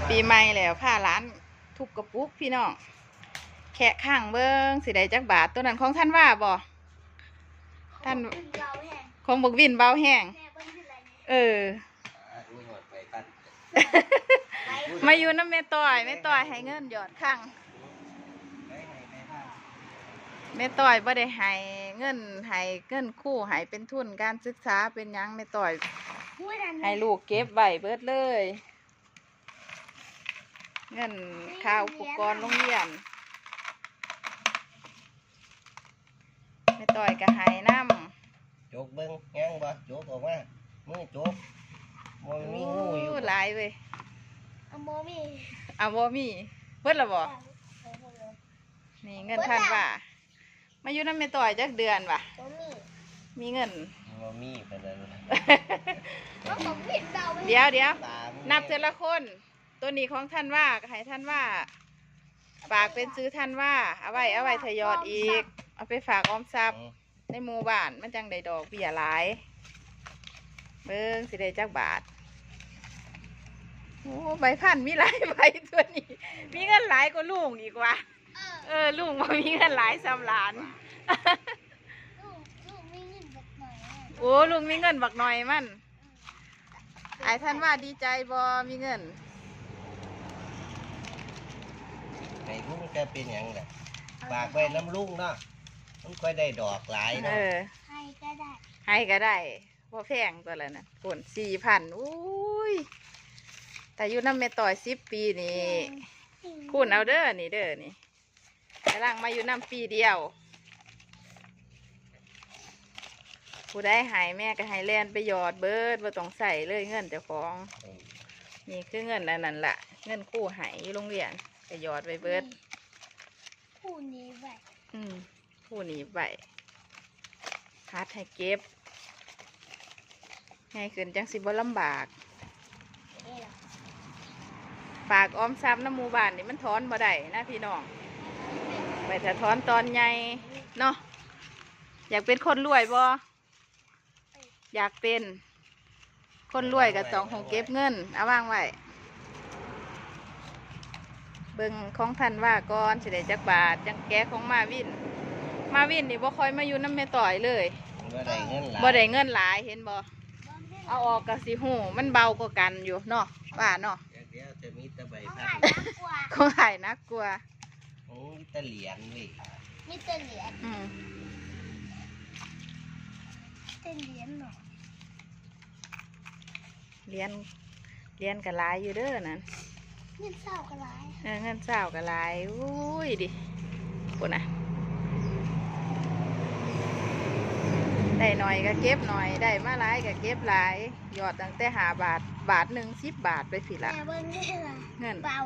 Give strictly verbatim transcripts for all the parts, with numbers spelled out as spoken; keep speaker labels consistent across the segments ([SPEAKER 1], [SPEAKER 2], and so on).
[SPEAKER 1] ปีใหม่แล้วผ้าร้านทุกกระปุกพี่น้องแค่ข้างเบิ้งสิได้จักบาทตัวนั้นของท่านว่าบ่ท่านของบกวินเบาแห้งเออมาอยู่น้ำแม่ต้อยแม่ต้อยให้เงินหยอดข้างแม่ต้อยบ่ได้ให้เงินให้เงินคู่ให้เป็นทุนการศึกษาเป็นยังแม่ต้อยให้ลูกเก็บไว้เบิดเลยเงินค่าอุปกรณ์โรงเรียนแม่ต้อยก็ให้น้ำ
[SPEAKER 2] โจกเบิ้งยังบ่โจกออกมามือโจกมันมีงูอยู่
[SPEAKER 1] หลายเว้ย
[SPEAKER 3] เอาโมมี่
[SPEAKER 1] เอาโมมี่เพิ่นละบ่นี่เงินท่านว่ามาอยู่น้ำแม่ต้อยจักเดือนว่ะมีเงิน
[SPEAKER 2] โมมี่ไปเลย
[SPEAKER 1] เดี๋ยวเดี๋ยวนับแต่ละคนตัวนี้ของท่านว่าให้ท่านว่าฝากเป็นซื้อท่านว่าเอาไว้เอาไว้ทยอดอีกเอาไปฝากออมทรัพย์ในหมู่บ้านมันจังได้ดอกเบี้ยหลายเบิ้งสิได้จักบาทโอ้ใบพันมีหลายใบตัวนี้มีเงินหลายกว่าลุงอีกว่ะเออลุงว่ามีเงินหลายสำหลานโอ้ลุงมีเงินบักหน่อยมันไอ้ท่านว่าดีใจบ่มีเงิน
[SPEAKER 2] ไอ้ลุงแกเป็นอย่างไรฝากไว้น้ำลุงเนาะมันค่อยได้ดอกหลายเนาะ
[SPEAKER 3] ให้ก็ได้
[SPEAKER 1] ให้ก็ได้พอแพงตัวละนะผลสี่พันอุ้ยแต่อยู่น้ำเมต่อยสิบปีนี่คุณเอาเด้อนี่เด้อนี่กำลังมาอยู่น้ำปีเดียวผู้ได้หายแม่ก็ให้แลนไปหยอดเบิร์ดบ่ต้องใส่เลยเงินเจ้าของนี่คือเงินอันนั้นล่ะเงินคู่หายอยู่โรงเรียนไปหยอดไปเบิร์ด
[SPEAKER 3] คู่นี้ไว้
[SPEAKER 1] อืมคู่นี้ไว้ฮัดให้เก็บง่ายขึ้นจังสิบ่ลำบากฝากออมทรัพย์น้ำหมู่บ้านนี่มันถอนบ่ได้นะพี่น้องไปแต่ถอนตอนใหญ่เนาะอยากเป็นคนรวยบ่อยากเป็นคนรวยกับสองของเก็บเงินเอาวางไว้เบิ่งของท่านว่าก่อนสิได้จักบาทจังแก้ของมาวินมาวินนี่บ่ค่อยมาอยู่น้ำแม่ต่อยเลย
[SPEAKER 2] บ่ได้เงินหลาย
[SPEAKER 1] บ่ได้เงินหลายเห็นบ่เอาออกกะสิหูมันเบากว่ากันอยู่เนาะว่าเนาะ
[SPEAKER 2] เดี๋ยวจะมีตะใบพัน
[SPEAKER 1] ของหายนักกลัว
[SPEAKER 2] โอ้ยตะเหรียญเว้ย
[SPEAKER 3] มีตะเหรียญ
[SPEAKER 1] อืม
[SPEAKER 3] ตะเหรียญหรอ
[SPEAKER 1] เรียนเรียนกับหลายอยู่เด้อนั่น
[SPEAKER 3] เงินเศร้ากับหลาย
[SPEAKER 1] เออเงินเศร้ากับหลายอุ้ยดิปุ่นน่ะได้หน่อยก็เก็บหน่อยได้มาหลายก็เก็บหลายยอดตั้งแต่หาบาทบาทหนึ่งสิบบาทไปสิละเงิน
[SPEAKER 3] เบ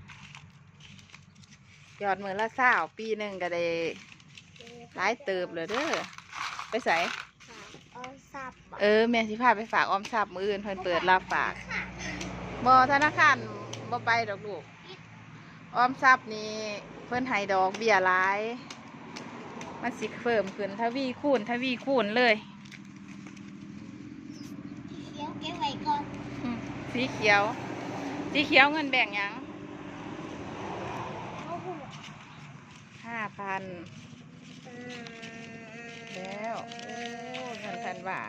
[SPEAKER 1] ายอดมือละเศร้าปีหนึ่งก็ได้หลายเติบเลยเด้อไปใส่เออแม่สิพาไปฝากออมทรัพย์มืออื่นเพิ่นเปิดรับฝากบ่ธนาคารบ่ไปดอกลูกออมทรัพย์นี่เพิ่นให้ดอกเบี้ยหลายมันสิเพิ่มขึ้นทวีคูณทวีคูณเลย
[SPEAKER 3] เขียวเก็บไว้ก่อน
[SPEAKER 1] สีเขียวสีเขียวเงินแบ่งยังห้าพันแล้วโอ้เงินพันว่า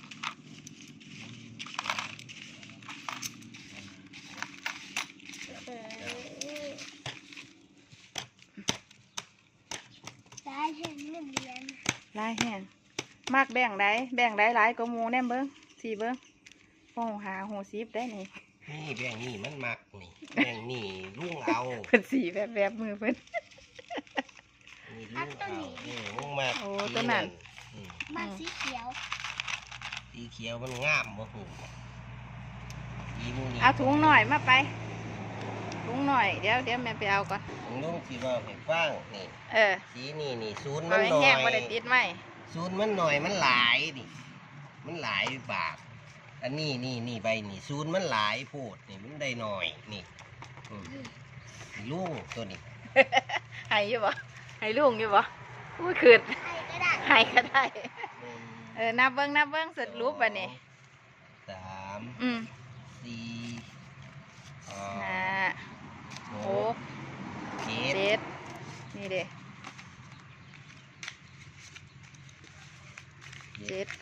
[SPEAKER 3] ได้แห้งเงินเรียน
[SPEAKER 1] ลายแห้งมากแบ่งได้แบ่งได้หลายก็มูแนมเบิ้งสี่เบิ้งโอ้หาหูซีบได้นี่
[SPEAKER 2] นี่แบ่งนี่มันมักนี่แบ่งนี่ลุงเอา
[SPEAKER 1] เพิ่นสีแบบแบบมือเพิ่น
[SPEAKER 2] นี่ลุงเอานี่ลุงมาก
[SPEAKER 1] โอ้ตัวนั้น
[SPEAKER 3] มาสีเขียว
[SPEAKER 2] สีเขียวมันงามบ่หูอีมูนี่
[SPEAKER 1] เอาถุงหน่อยมาไปถุงหน่อยเดี๋ยวเดี๋ยวแม่ไปเอาก่อน
[SPEAKER 2] ลุงสีว่าให้ฟังนี่
[SPEAKER 1] เออ
[SPEAKER 2] สีนี่นี่ศูนย์มันหน่อย
[SPEAKER 1] แห้งบ่ได้ติดไหม
[SPEAKER 2] ศูนย์มันหน่อยมันหลายนี่มันหลายบาทอันนี้นี่นี่ใบนี่ศูนย์มันหลายโพดนี่มันได้หน่อยนี่ลุงตัวนี้
[SPEAKER 1] ให้อยู่บ่ให้ลุงอยู่บ่อุ้ยขืดให้ก็ได้เออนับเบิ้งนับเบิ้งสุดรูปบ่นี่
[SPEAKER 2] สาม
[SPEAKER 1] อืม
[SPEAKER 2] สี่
[SPEAKER 1] ห้า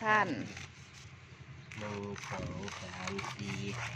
[SPEAKER 1] พัน
[SPEAKER 2] หนึ่งสองสามสี่ห้า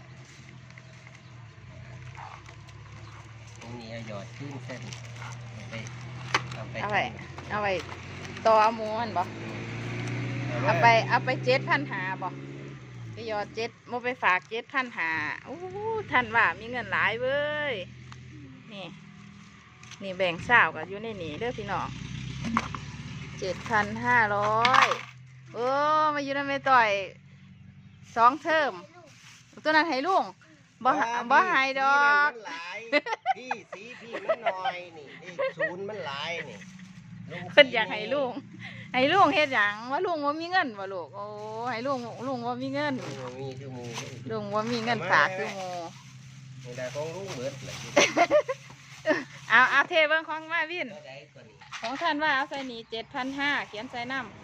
[SPEAKER 2] ตรงนี้เอาหยอดขึ้นเส้นเอาไปเอาไป
[SPEAKER 1] เอาไว้เอาไว้ต่อเอาหมูมันบ่
[SPEAKER 2] เอา
[SPEAKER 1] เอาไปเอาไปเจ็ดพันหาบ่ไปยอดเจ็ดโมไปฝากเจ็ดพันหาโอ้ท่านว่ามีเงินหลายเว้ยนี่นี่แบ่งสาวกับอยู่ในนี่เด้อพี่น้องเจ็ดพันห้าร้อยโอ้มาอยู่ในไม่ต่อยสองเทอมตัวนั้นให้ลุงบ่บ่ให้ดอก
[SPEAKER 2] มันหลายพี่สีพี่มันน้อยนี่เลขศูนย์มันหลายนี่ลุง
[SPEAKER 1] เพิ่นอยากให้ลุงให้ลุงเฮ็ดหยังว่าลุงว่ามีเงินบ่ลูกโอ้ให้ลุงลุงว่ามีเงิน
[SPEAKER 2] ลุงมีคือหมู
[SPEAKER 1] ลุงว่ามีเงินฝากคือหมู
[SPEAKER 2] นี่ได้ของลุงเบิดเลย
[SPEAKER 1] เอาเอาเทเบิ้งของมาวิน
[SPEAKER 2] ก็ได้ตัวนี้
[SPEAKER 1] ของท่านว่าเอาใส่นี่เจ็ดพันห้าเขียนใส่น้ำ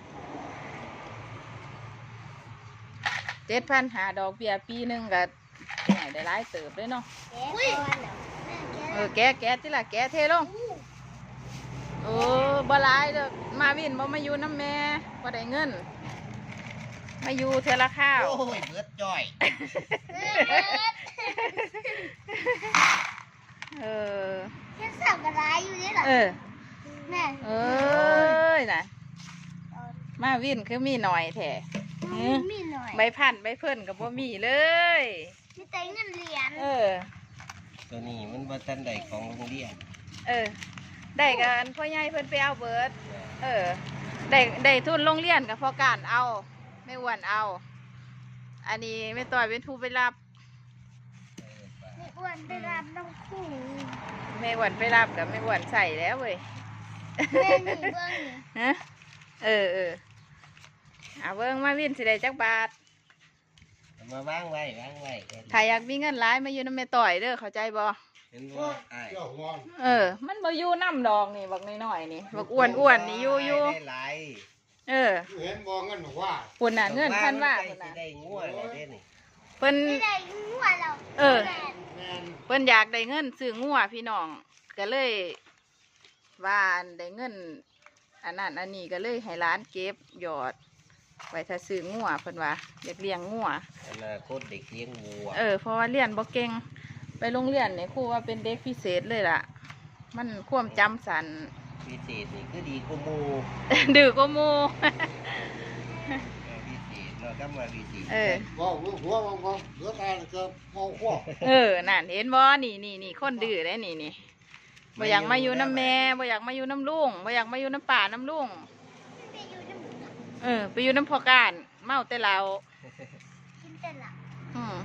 [SPEAKER 1] เจ็ดพันหาดอกเบี้ยปีหนึ่งก็ไหนได้หลายเติบเลยเนาะ
[SPEAKER 3] แกะก่อนเหรอแม่แกะ
[SPEAKER 1] เออแกะแกะที่ละแกะเทลงโอ้บ่หลายเด้อมาวินบ่มาอยู่น้ำแม่บ่ได้เงินมาอยู่เทอละข้าว
[SPEAKER 2] โอ้ยเบิดจ้อย
[SPEAKER 1] เออ
[SPEAKER 3] เฮ็ดสับกระไรอยู่นี่เหรอ
[SPEAKER 1] เออ
[SPEAKER 3] แม่
[SPEAKER 1] เอ้ยน่ะมาวินคือมีหน่อยแท้
[SPEAKER 3] มีหน่อย
[SPEAKER 1] ใบพันใบเพิ่นกับบ่มีเลย
[SPEAKER 3] มีแต่เงินเหรียญ
[SPEAKER 1] เออ
[SPEAKER 2] ตัวนี้มันบ่ทันได้ของโรงเรียน
[SPEAKER 1] เออ ได้กันพ่อใหญ่เพิ่นไปเอาเบิด เออ ได้ได้ทุนโรงเรียนกับพ่อการเอา ไม่อ้วนเอา อันนี้ไม่ต่อยเป็นผู้ไปรับ
[SPEAKER 3] ไม่อ้วนไปรับน้องคู่
[SPEAKER 1] ไม่อ้วนไปรับกับไม่อ้วนใส่แล้วเว้ย
[SPEAKER 3] แม่นี่เบิ่งนี่
[SPEAKER 1] ฮะ เออเออเอาเบิ่งมาวินสิได้จักบาท
[SPEAKER 2] เอามาวางไว้วางไว้
[SPEAKER 1] ถ้าอยากมีเงินหลายมาอยู่น้ำแม่ต่อยเด้อเข้าใจบ่
[SPEAKER 2] เห็นว่าอ้าย
[SPEAKER 1] เออ มันบ่อยู่น้ำดอกนี่บักน้อยๆนี่บักอ้วนอ้วนๆนี่อยู่อยู่
[SPEAKER 2] ได้หลาย
[SPEAKER 1] เออ
[SPEAKER 4] เห็นมองกันหนูว่า
[SPEAKER 1] ปุ่นน่ะเงินพันว่า
[SPEAKER 2] ใกล้
[SPEAKER 1] ปุ่น
[SPEAKER 2] สิ
[SPEAKER 1] น่ะ
[SPEAKER 2] ได้งัวแล้วเด้นี่
[SPEAKER 1] เพิ่น
[SPEAKER 3] ไม่ได้งัวเรา
[SPEAKER 1] เออ
[SPEAKER 3] แม่
[SPEAKER 4] แมน
[SPEAKER 1] เพิ่นอยากได้เงินซื้องัวพี่น้องก็เลยว่าอันได้เงินอันนั้นอันนี้ก็เลยให้ร้านเก็บหยอดไว้ถ้าซื้องัวเพิ่นว่าอยากเลี้ยงงัว
[SPEAKER 2] อนาคตเด็กเลี้ยงวัว
[SPEAKER 1] เออเพราะว่าเรียนบ่เก่งไปโรงเรียนนี่ครูว่าเป็นเด็กพิเศษเลยล่ะ มันความจำสัน
[SPEAKER 2] พิเศษนี่คือดีกว่าหมู
[SPEAKER 1] ดื้อกว่าหมู่
[SPEAKER 2] พิเศษเนาะก็มาพิเศษ
[SPEAKER 1] เออ
[SPEAKER 4] ว่าหัวมองมองเหลือตาเกือบมองขั้ว
[SPEAKER 1] เออนั่นเห็นบ่นี่นี่นี่คนดื้อได้นี่นี่บ่อยากมาอยู่น้ำแม่บ่อยากมาอยู่น้ำลุงบ่อยากมาอยู่น้ำป่าน้ำลุง
[SPEAKER 3] ไปอยู่น้ำ
[SPEAKER 1] เออไปอยู่น้ำพอการเมาแต่เรา
[SPEAKER 3] กินแต่ละ
[SPEAKER 1] อืม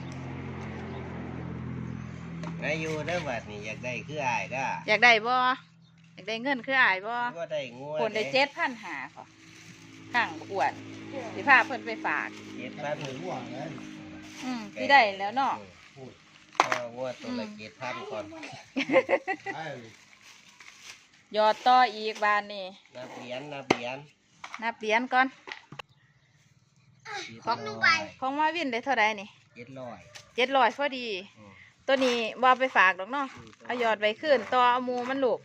[SPEAKER 2] มาอยู่เด้อบัดนี่อยากได้คืออ้ายก็
[SPEAKER 1] อยากได้บ่อยากได้เงินคืออายบ่
[SPEAKER 2] ก็ได้งัว
[SPEAKER 1] คนได้เจ็ดพันหาค่ะข้างอ้วนสิพาเพิ่นไปฝาก
[SPEAKER 2] เจ็ดพัน
[SPEAKER 4] หัวไง
[SPEAKER 1] อืมสิได้แล้วเนาะ
[SPEAKER 2] เอางัวตัวละเจ็ดพันก่อน
[SPEAKER 4] ไอ้
[SPEAKER 1] ยอดต่ออีกบานนี่
[SPEAKER 2] นับเหรียญนับเหรียญ
[SPEAKER 1] นับเหรียญก่อน
[SPEAKER 3] ของหนูไป
[SPEAKER 1] ของมาวินได้เท่าไหร่นี่
[SPEAKER 2] เจ็ดร้อย
[SPEAKER 1] เจ็ดร้อยพอดี
[SPEAKER 2] อืม
[SPEAKER 1] ตัวนี้บ่เอาไปฝากดอกเนาะเอายอดไว้ขึ้นต่อเอาหมูมันลูก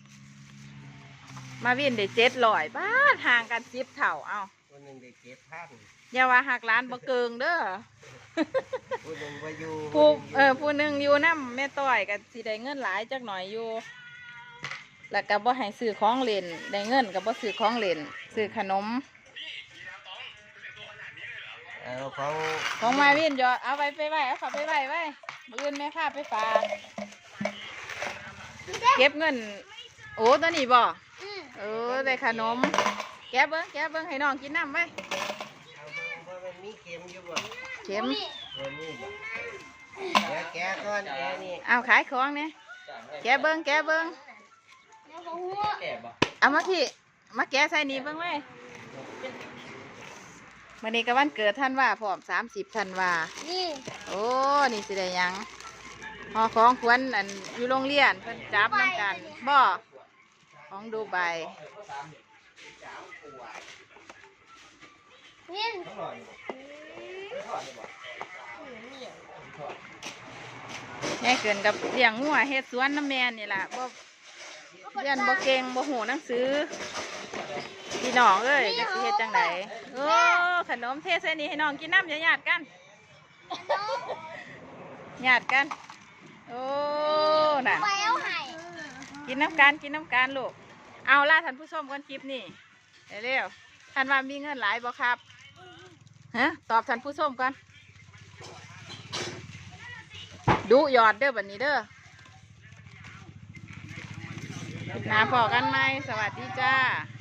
[SPEAKER 1] มาวินได้เจ็ดร้อยบ้าทห่างกันสิบเท่าเอา
[SPEAKER 2] คนหนึ่งได้เจ็ดพัน
[SPEAKER 1] อย่าว่าหักล้านบ่เกิงเด้อ
[SPEAKER 2] ผู้หนึ่งไปอยู่
[SPEAKER 1] ผู้เออผู้หนึ่งอยู่น้ำแม่ต้อยกับสิได้เงินหลายจักหน่อยอยู่ แล้วก็บ่ให้ซื้อของเล่นได้เงินก็บ่ซื้อของเล่นซื้อขนม
[SPEAKER 2] เอาของ
[SPEAKER 1] ของมาวินยอดเอาไว้ไปไว้เอาเขับไปไว้ไว้มื้ออื่นแม่พาไปฝากเก็บเงิน โอ้ตัวนี้บ่
[SPEAKER 3] อืม
[SPEAKER 1] เออได้ขนม แกะเบิ้งแกะเบิ้งให้น้องกินน้ำไว้
[SPEAKER 2] เอาว่ามันมีเข็มอยู่บ่
[SPEAKER 1] เข็ม
[SPEAKER 3] นี่
[SPEAKER 2] ตัวนี้บ่เดี๋ยวแกะก่อนแกะนี่
[SPEAKER 1] เอาขายของเนี่ยแกะเบิ้งแกะเบิ้ง
[SPEAKER 3] แล้วก็หัว
[SPEAKER 1] เอามาที่มาแกะใส่นี่เบิ้งไว้วันนี้ก็วันเกิดท่านว่าพร้อมสามสิบท่านว่า
[SPEAKER 3] นี่
[SPEAKER 1] โอ้นี่สิได้หยังห่อของขวัญอันอยู่โรงเรียนเพิ่นจับน้ำกันบ่ของดูใบ
[SPEAKER 3] นี่
[SPEAKER 1] แม่เกินกับเลี้ยงงัวเฮ็ดสวนน้ำแม่นี่ล่ะบ่เรียนบ่เก่งบ่หูหนังสือพี่น้องเอ้ยจะสิเฮ็ดจังไดโอ้ขนมเทใส่นี่ให้น้องกินน้ำอย่าหยาดกันหยาดกันโอ้น่ะ
[SPEAKER 3] ไปเอาไห้
[SPEAKER 1] กินน้ำกันกินน้ำกันลูกเอาล่ะท่านผู้ชมกันคลิปนี่เร็วๆท่านว่ามีเงินหลายบ่ครับฮะตอบท่านผู้ชมกันดูหยอดเด้อบัดนี้เด้อนาพอกันไหมสวัสดีจ้า